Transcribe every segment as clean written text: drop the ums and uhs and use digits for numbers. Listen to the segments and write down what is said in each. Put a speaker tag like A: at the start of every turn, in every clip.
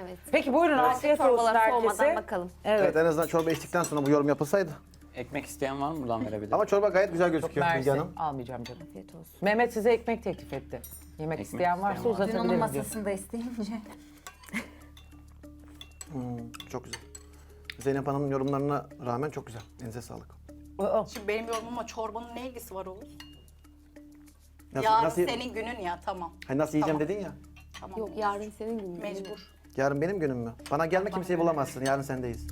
A: Evet.
B: Peki buyurun afiyet olsun
A: Çorbalar soğumadan
B: herkese.
A: bakalım.
C: Evet, en azından çorba içtikten sonra bu yorum yapılsaydı.
D: Ekmek isteyen var mı? Buradan verebilirim.
C: Ama çorba gayet güzel gözüküyor Bilge
B: Mersi.
C: Hanım.
B: Almayacağım canım.
A: Afiyet olsun.
B: Mehmet size ekmek teklif etti. Yemek
D: Ekmek
B: isteyen varsa
D: isteyen var.
E: Dün onun
B: uzatabilirim diyor.
E: masasında isteyince.
C: Çok güzel. Zeynep Hanım'ın yorumlarına rağmen çok güzel. Elinize sağlık.
B: Aa,
F: Şimdi benim yorumuma çorbanın ne ilgisi var Oğuz?
C: Nasıl,
F: Yarın
C: nasıl,
F: senin günün ya, tamam.
C: Hani nasıl yiyeceğim
F: Tamam.
C: dedin ya.
F: Tamam.
A: Yok yarın senin günün.
F: Mecbur.
C: Yarın benim günüm mü? Bana gelme kimseyi bulamazsın. Yarın sendeyiz.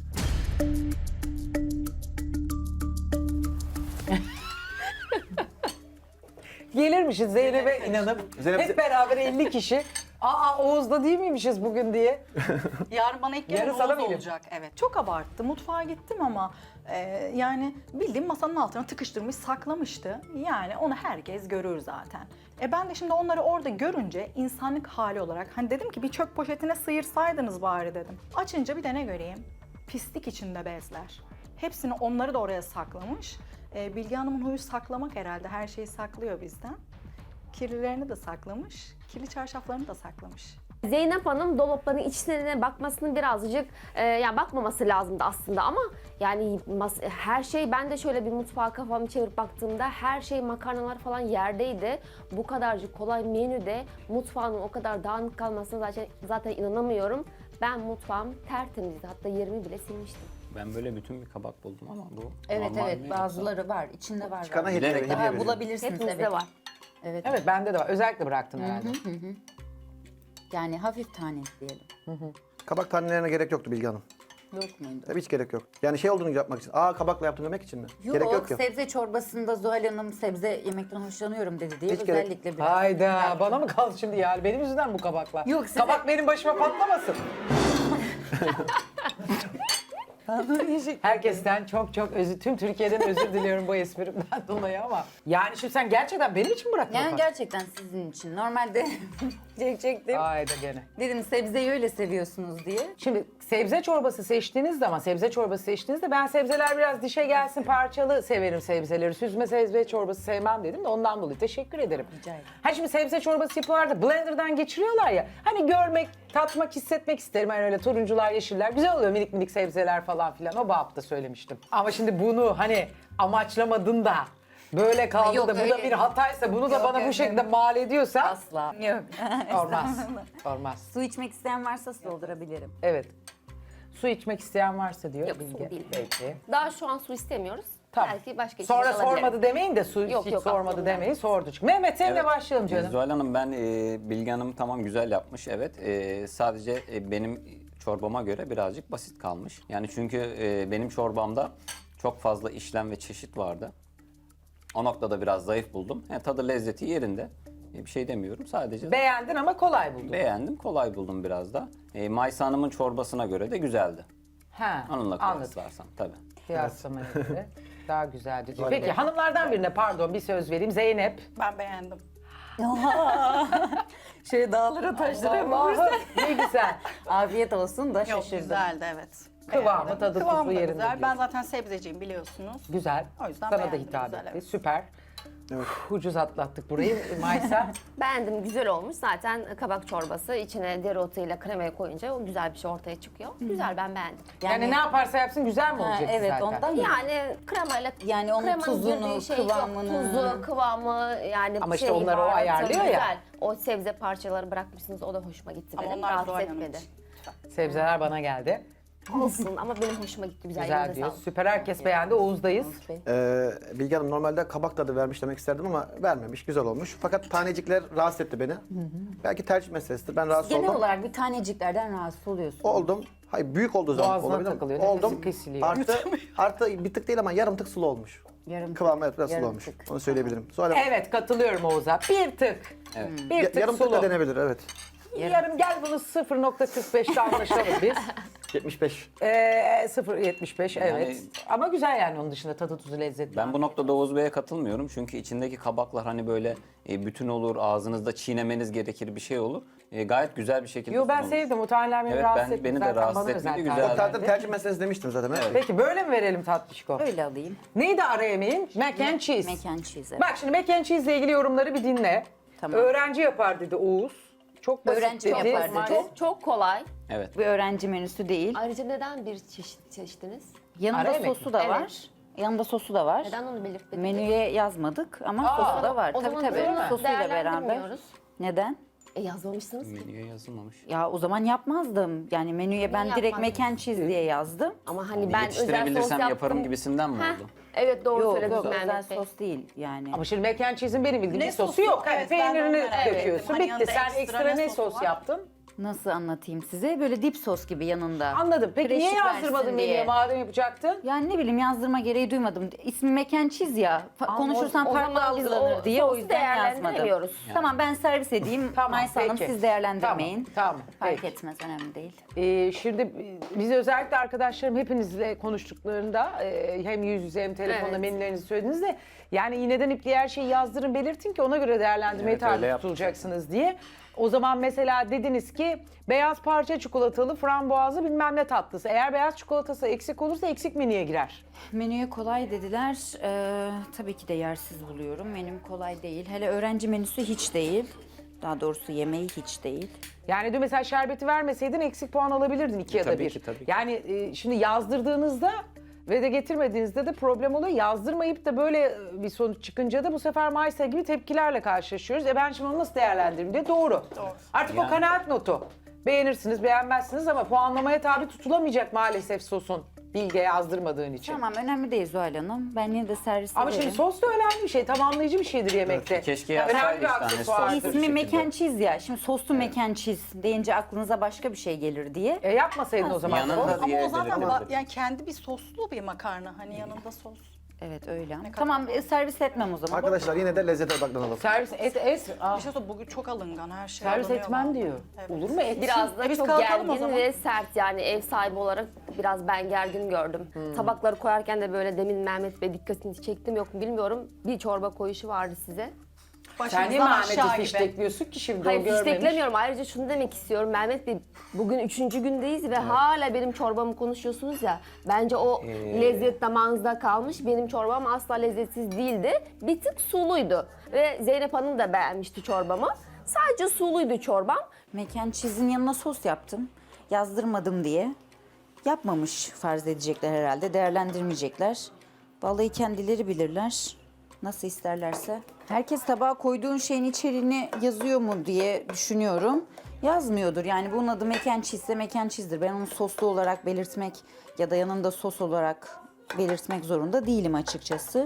B: gelirmişiz Zeynep'e inanıp
C: Zeynep-
B: hep beraber 50 kişi. Aa Oğuz'da değil miymişiz bugün diye.
F: Yarın bana ilk gelen
B: Yarın sana
F: Oğuz
B: mı
F: olacak. Evet. Çok abarttı. Mutfağa gittim ama yani bildiğim masanın altına tıkıştırmış, saklamıştı. Yani onu herkes görür zaten. Ben de şimdi onları orada görünce insanlık hali olarak hani dedim ki bir çöp poşetine sıyırsaydınız bari dedim. Açınca bir de ne göreyim? Pislik içinde bezler. Hepsini onları da oraya saklamış. Bilge Hanım'ın huyu saklamak herhalde. Her şeyi saklıyor bizden. Kirlilerini de saklamış. Kirli çarşaflarını da saklamış.
A: Zeynep Hanım dolapların içlerine bakmasını birazcık yani bakmaması lazımdı aslında ama yani her şey, ben de şöyle bir mutfağa kafamı çevirip baktığımda her şey, makarnalar falan yerdeydi. Bu kadarcık kolay menüde mutfağın o kadar dağınık kalmasına zaten inanamıyorum. Ben mutfağım tertemizdi, hatta yerimi bile silmiştim.
D: Ben böyle bütün bir kabak buldum ama bu
E: Evet
D: normal
E: evet
D: mi?
E: bazıları var. İçinde var.
C: Çıkana
E: var.
C: hediye,
D: Bilerek
C: hediye
E: Daha
C: veriyorum.
E: bulabilirsiniz
A: Hepimizde
E: evet.
A: var.
E: Evet.
B: Evet bende de var. Özellikle bıraktım herhalde.
E: Yani hafif tane diyelim.
C: Kabak tanelerine gerek yoktu Bilge Hanım.
E: Yok muydu?
C: Tabii hiç gerek yok. Yani şey olduğunu yapmak için. Aa kabakla yaptım demek için mi? Gerek yok ki.
E: sebze çorbasında Zuhal Hanım sebze yemekten hoşlanıyorum dedi diye
C: Hiç gerek-
E: özellikle biraz.
B: Hayda bana mı kaldı şimdi yani? Benim yüzümden bu kabaklar.
E: Yok, size-
B: Kabak benim başıma patlamasın. Herkesten çok tüm Türkiye'den özür diliyorum bu esprimden dolayı ama. Yani şimdi sen gerçekten benim için mi bıraktın?
E: Yani
B: o kadar?
E: gerçekten sizin için. Normalde çekecektim.
B: Hayda gene.
E: Dedim sebzeyi öyle seviyorsunuz diye.
B: Şimdi sebze çorbası seçtiğinizde ben sebzeler biraz dişe gelsin, parçalı severim sebzeleri. Süzme sebze çorbası sevmem dedim de ondan dolayı teşekkür ederim.
E: Rica ederim.
B: Ha şimdi sebze çorbası yapıyorlar da blenderdan geçiriyorlar ya. Hani görmek, tatmak, hissetmek isterim. Hani öyle turuncular, yeşiller güzel oluyor, minik minik sebzeler falan filan. O babda söylemiştim. Ama şimdi bunu hani amaçlamadın da böyle kaldı
E: Yok,
B: da bu da
E: öyle.
B: bir hataysa bunu da
E: Yok,
B: bana bu
E: yok,
B: şekilde
E: yok.
B: mal ediyorsan
E: Asla. Yok.
B: olmaz. Olmaz.
E: Su içmek isteyen varsa su doldurabilirim.
B: Evet. Su içmek isteyen varsa diyor
A: Yok, su
B: Bilge.
A: değil.
B: Peki.
A: Daha şu an su istemiyoruz.
B: Tamam.
A: Belki başka
B: Sonra
A: içecek alabilirim.
B: sormadı demeyin de su
A: Yok,
B: hiç
A: yok,
B: sormadı
A: aklımda.
B: demeyin, sordu. Çünkü Mehmet seninle
D: Evet.
B: başlayalım canım.
D: Zuhal Hanım, ben Bilge Hanım tamam güzel yapmış, evet. Sadece benim çorbama göre birazcık basit kalmış. Yani çünkü benim çorbamda çok fazla işlem ve çeşit vardı. O noktada biraz zayıf buldum. Tadı lezzeti yerinde. Bir şey demiyorum. Sadece
B: Beğendin ama kolay buldun.
D: beğendim, kolay buldum biraz da. Maysa Hanım'ın çorbasına göre de güzeldi.
B: Ha,
D: Onunla
B: anladım.
D: kıyaslarsam tabii.
B: Kıyaslamaya göre daha güzeldi diyor. Peki hanımlardan birine pardon bir söz vereyim. Zeynep.
F: Ben beğendim.
E: Şöyle dağlara taşlara
B: Allah'ım ne güzel.
E: Afiyet olsun da
F: Yok,
E: şaşırdım.
F: güzeldi, evet.
B: Kıvamı,
F: Beğendim.
B: tadı,
F: Kıvamı
B: tuzu
F: da
B: yerinde
F: güzel.
B: diyorsun.
F: Ben zaten sebzeciyim biliyorsunuz.
B: Güzel.
F: O yüzden
B: Sana da
F: beğendim,
B: hitap
F: güzel,
B: etti.
F: evet.
B: Süper.
C: Evet.
B: Ucuz atlattık burayı. Maysa.
A: Beğendim, güzel olmuş. Zaten kabak çorbası içine dereotuyla kremayı koyunca o güzel bir şey ortaya çıkıyor. Güzel, ben beğendim.
B: Yani ne yaparsa yapsın güzel mi
E: Ha,
B: olacak
E: evet,
B: zaten?
E: ondan-
A: Yani kremayla
E: Yani onun
A: kremanın
E: tuzunu,
A: girdiği şey yok.
E: kıvamını.
A: Tuzu, kıvamı yani
B: Ama işte
A: şey,
B: onları o
A: baharatı
B: ayarlıyor ya.
A: güzel. O sebze parçaları bırakmışsınız, o da hoşuma gitti
F: Ama
A: benim.
F: onlar
A: Rahatsız
F: Zuhal Hanım
A: etmedi.
F: için.
B: Sebzeler bana geldi.
A: Olsun ama benim hoşuma gitti. Güzel,
B: Güzel
A: elinize
B: diyor.
A: sağlık.
B: Süper, herkes beğendi. Oğuz'dayız.
C: Bilge Hanım normalde kabak tadı vermiş demek isterdim ama vermemiş. Güzel olmuş. Fakat tanecikler rahatsız etti beni. Belki tercih meselesidir. Ben rahatsız
E: Genel
C: oldum.
E: olarak bir taneciklerden rahatsız oluyorsun.
C: Oldum. Hayır büyük olduğu zaman
B: Boğazına
C: olabilir mi?
B: takılıyor, nefesi
C: Oldum.
B: kesiliyor.
C: Artı bir tık değil ama yarım tık sulu olmuş.
E: Yarım
C: Kıvamı evet biraz sulu
E: yarım
C: olmuş.
E: tık.
C: Onu söyleyebilirim. Sonra
B: Evet katılıyorum Oğuz'a. Bir tık.
D: Evet.
B: Bir tık
C: yarım tık
B: sulu.
C: da denebilir evet.
B: Yarım gel bunu 0.45'te anlaşalım biz.
C: 75.
B: 0.75 evet.
D: Yani-
B: Ama güzel yani onun dışında tadı tuzu lezzeti.
D: Ben bu noktada Oğuz Bey'e katılmıyorum. Çünkü içindeki kabaklar hani böyle bütün olur, ağzınızda çiğnemeniz gerekir bir şey olur. Gayet güzel bir şekilde
B: Yo ben
D: sunulmuş.
B: sevdim. O taneler beni
D: Evet,
B: rahatsız
D: ben-
B: etti.
D: beni de
B: Zaten
D: rahatsız
B: bana
D: etmedi,
B: özel
D: güzel.
B: tarif
C: Zaten
B: verdi.
C: tercih meselesi demiştim zaten. Evet.
B: Peki böyle mi verelim tatlışko?
E: Öyle alayım.
B: Neydi ara yemeğin? Mac and cheese.
E: Mac and cheese. Evet.
B: Bak şimdi mac and cheese ile ilgili yorumları bir dinle.
E: Tamam.
B: Öğrenci yapar dedi Oğuz. Çok basit
E: Öğrenci
B: dedi.
E: yapar dedi.
A: Çok kolay.
D: Evet.
E: Bir öğrenci menüsü değil.
A: Ayrıca neden bir çeşit seçtiniz?
E: Yanında
B: Ara yemek
E: sosu
B: mi?
E: da
A: Evet.
E: var. Yanında sosu da var.
A: Neden onu belirtmediniz?
E: Menüye yazmadık ama sosu da var.
A: O
E: Tabii
A: zaman
E: tabii.
A: bunu
E: Sosuyla beraber.
A: değerlendirmiyoruz.
E: Neden?
A: Yazmamışsınız ki.
D: Menüye yazılmamış.
E: Ya o zaman yapmazdım. Yani menüye ben direkt
A: yapmazdınız?
E: mac and cheese diye yazdım.
A: Ama hani ben özel sos
D: Yetiştirebilirsem
A: yaptım.
D: yaparım gibisinden mi
A: Heh,
D: oldu?
A: evet doğru
E: Yok
A: söylediniz
E: yok özel
A: Mehmet Bey.
E: sos değil yani.
B: Ama şimdi mac and cheese'in benim bildiğim
F: Ne
B: bir sosu
F: sosu?
B: yok. Hani
F: Evet, ben de onu
B: peynirini
F: merak ettim.
B: döküyorsun.
F: Hani
B: Bitti.
F: yanında
B: Sen
F: ekstra
B: ekstra
F: ne
B: ne
F: sosu
B: sos
F: var?
B: yaptın?
E: Nasıl anlatayım size? Böyle dip sos gibi yanında.
B: Anladım. Peki niye
E: Freşlik
B: yazdırmadın
E: versin
B: menüye
E: diye.
B: madem yapacaktın?
E: Yani ne bileyim yazdırma gereği duymadım. İsmi mac and cheese ya. Konuşursam
A: o
E: farklı
A: zaman biz
E: algılanır
A: o
E: diye o
A: sosu
E: yüzden yazmadım.
A: değerlendiremiyoruz.
E: Tamam ben servis edeyim. Maysa Hanım
B: peki.
E: siz değerlendirmeyin.
B: Tamam.
E: Fark
B: Peki.
E: etmez önemli değil.
B: Şimdi biz özellikle arkadaşlarım hepinizle konuştuklarında hem yüz yüze hem telefonda
A: Evet.
B: menülerinizi söylediniz de yani iğneden ipliğe her şeyi yazdırın belirtin ki ona göre değerlendirmeye
D: Evet, öyle
B: tabi
D: yaptık.
B: tutulacaksınız diye. O zaman mesela dediniz ki beyaz parça çikolatalı frambuazlı bilmem ne tatlısı. Eğer beyaz çikolatası eksik olursa eksik menüye girer.
E: Menüye kolay dediler. Tabii ki de yersiz buluyorum. Menüm kolay değil. Hele öğrenci menüsü hiç değil. Daha doğrusu yemeği hiç değil.
B: Yani dün mesela şerbeti vermeseydin eksik puan alabilirdin 2 ya da
D: Tabii
B: 1.
D: ki, tabii ki.
B: Yani şimdi yazdırdığınızda ve de getirmediğinizde de problem oluyor. Yazdırmayıp da böyle bir sonuç çıkınca da bu sefer Maysa gibi tepkilerle karşılaşıyoruz. Ben şimdi onu nasıl değerlendiririm diye doğru. Artık o
D: Yani-
B: kanaat notu. Beğenirsiniz, beğenmezsiniz ama puanlamaya tabi tutulamayacak maalesef sosun. Bilge yazdırmadığın için.
E: Tamam önemli değil Zuhal Hanım. Ben yine de servis
B: Ama
E: ederim.
B: şimdi sos da önemli bir şey, tamamlayıcı bir şeydir yemekte.
D: Keşke
B: Önemli
D: yazsaydı
B: bir
D: işte hani
B: aksesuardır.
D: sos.
E: İsmi
D: bir
E: mac
D: şekilde.
E: and cheese ya. Şimdi soslu mac and cheese deyince aklınıza başka bir şey gelir diye.
B: Yapmasaydın o zaman.
D: Yanında
B: sos.
D: diye
F: Ama o zaten
D: belirtebilirdim.
F: yani kendi bir soslu bir makarna. Hani yanında sos.
E: Evet öyle.
F: kadar
E: Tamam servis etmem o zaman.
C: Arkadaşlar yine de lezzete odaklanalım.
B: Servis et.
F: Bir şey söyleyeyim, bugün çok alıngan her şey
B: Servis
F: alınıyor
B: etmem
F: vallahi.
B: diyor.
F: Evet.
B: Olur mu? Et.
A: Biraz da
F: biz
A: çok
F: kalkalım o
A: gergin
F: zaman.
A: ve sert yani ev sahibi olarak biraz ben gergin gördüm. Tabakları koyarken de böyle demin Mehmet Bey dikkatini çektim yok mu bilmiyorum. Bir çorba koyuşu vardı size.
B: Sen niye
F: Başımızdan
B: Mehmet'i
F: aşağı gibi.
B: fiştekliyorsun ki şimdi
A: Hayır
B: o görmemiş?
A: fişteklemiyorum. Ayrıca şunu demek istiyorum. Mehmet Bey bugün 3. gündeyiz ve hala benim çorbamı konuşuyorsunuz ya. Bence o lezzet damağınızda kalmış. Benim çorbam asla lezzetsiz değildi. Bir tık suluydu. Ve Zeynep Hanım da beğenmişti çorbamı. Sadece suluydu çorbam.
E: Mac and cheese'in yanına sos yaptım. Yazdırmadım diye. Yapmamış farz edecekler herhalde. Değerlendirmeyecekler. Vallahi kendileri bilirler. Nasıl isterlerse. Herkes tabağa koyduğun şeyin içeriğini yazıyor mu diye düşünüyorum. Yazmıyordur. Yani bunun adı mac and cheese ise mac and cheese'dir. Ben onu soslu olarak belirtmek ya da yanında sos olarak belirtmek zorunda değilim açıkçası.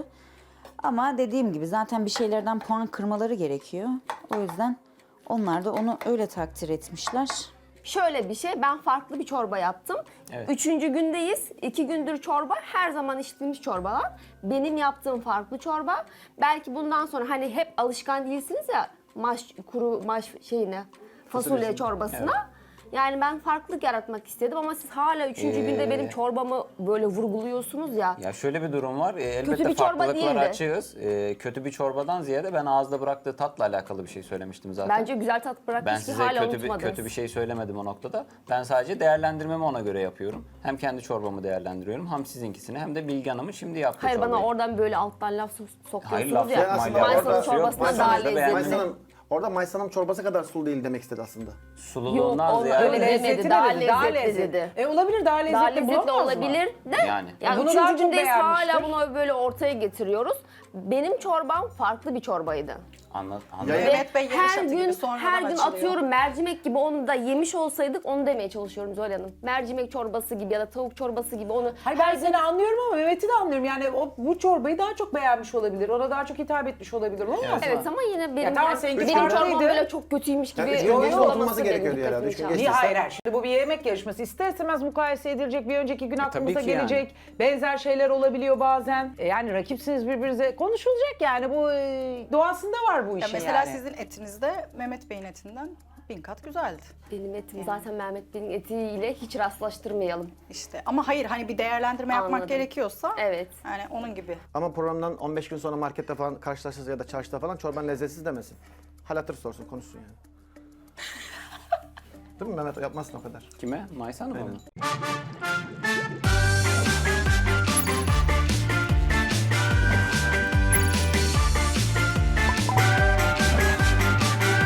E: Ama dediğim gibi zaten bir şeylerden puan kırmaları gerekiyor. O yüzden onlar da onu öyle takdir etmişler.
A: Şöyle bir şey, ben farklı bir çorba yaptım.
D: Evet.
A: 3. gündeyiz. 2 gündür çorba, her zaman içtiğimiz çorbalar. Benim yaptığım farklı çorba. Belki bundan sonra hani hep alışkan değilsiniz ya kuru maş şeyine, fasulye çorbasına. Yani ben farklılık yaratmak istedim ama siz hala 3. günde benim çorbamı böyle vurguluyorsunuz ya.
D: Ya şöyle bir durum var. Elbette
A: bir çorba
D: farklılıklara
A: değildi.
D: açığız. Kötü bir çorbadan ziyade ben ağızda bıraktığı tatla alakalı bir şey söylemiştim zaten.
A: Bence güzel tat
D: Ben
A: bırakmış ki
D: size
A: hala
D: kötü
A: unutmadınız.
D: bir şey söylemedim o noktada. Ben sadece değerlendirmemi ona göre yapıyorum. Hem kendi çorbamı değerlendiriyorum, hem sizinkisini hem de Bilge Hanım'ın şimdi yaptığı
A: Hayır
D: çorbayı.
A: bana oradan böyle alttan laf
D: Hayır,
A: sokuyorsunuz
D: laf
A: ya.
D: sokmayla
C: aslında
A: Maysanın
C: orada-
A: çorbasına
D: Maysanın
A: daha
D: da beğendim.
A: lezzetli.
C: Orada Maysan'ın çorbası kadar sulu değil demek istedi aslında.
D: Sululuğundan
A: Yok,
D: ziyade
A: öyle demedi,
B: Lezzetine
A: daha
B: dedi, daha
A: lezzetli
B: lezzetli.
A: dedi.
B: Olabilir daha lezzetli,
A: Daha lezzetli
B: bulamaz mı?
A: olabilir de
D: Yani.
A: yani
B: Bunu daha
A: 3.
B: çok
A: gündeyiz
B: beğenmiştir.
A: hala bunu böyle ortaya getiriyoruz. Benim çorbam farklı bir çorbaydı.
D: Anladım.
F: Mehmet Bey yarış
A: Her
F: atı gibi
A: gün
F: sonradan
A: her gün
F: açılıyor.
A: atıyorum mercimek gibi onu da yemiş olsaydık onu demeye çalışıyorum Zuhal Hanım. Mercimek çorbası gibi ya da tavuk çorbası gibi onu
B: Hayır ben seni anlıyorum ama Mehmet'i de anlıyorum. Yani bu çorbayı daha çok beğenmiş olabilir. Ona daha çok hitap etmiş olabilir. Olmaz mı?
A: Evet ama yine benim,
B: tamam, seninki
A: benim çorbam
B: farklıydı.
A: böyle çok kötüymüş gibi
C: Yani üç gün
B: geçti,
A: yorumlaması
C: oturması
A: benim
C: gerekiyordu herhalde.
A: dikkatimi
C: Üç gün
A: çeldi.
C: geçti.
B: Niye hayır? Şimdi bu bir yemek yarışması. İster istemez mukayese edilecek. Bir önceki gün aklımıza
D: tabii ki yani.
B: gelecek. Benzer şeyler olabiliyor bazen. Yani rakipsiniz birbirinize. Konuşulacak yani. Bu doğasında var bu
F: Ya
B: işin
F: mesela
B: yani.
F: sizin etinizde Mehmet Bey'in etinden 1000 kat güzeldi.
A: Benim etim zaten Mehmet Bey'in etiyle hiç rastlaştırmayalım.
F: İşte ama hayır hani bir değerlendirme yapmak
A: Anladım.
F: gerekiyorsa
A: Evet.
F: yani onun gibi.
C: Ama programdan 15 gün sonra markette falan karşılaşırsa ya da çarşıda falan çorban lezzetsiz demesin. Hal hatır sorsun, konuşsun yani. Değil mi Mehmet? Yapmazsın o kadar.
D: Kime? Maysa Hanım'a mı?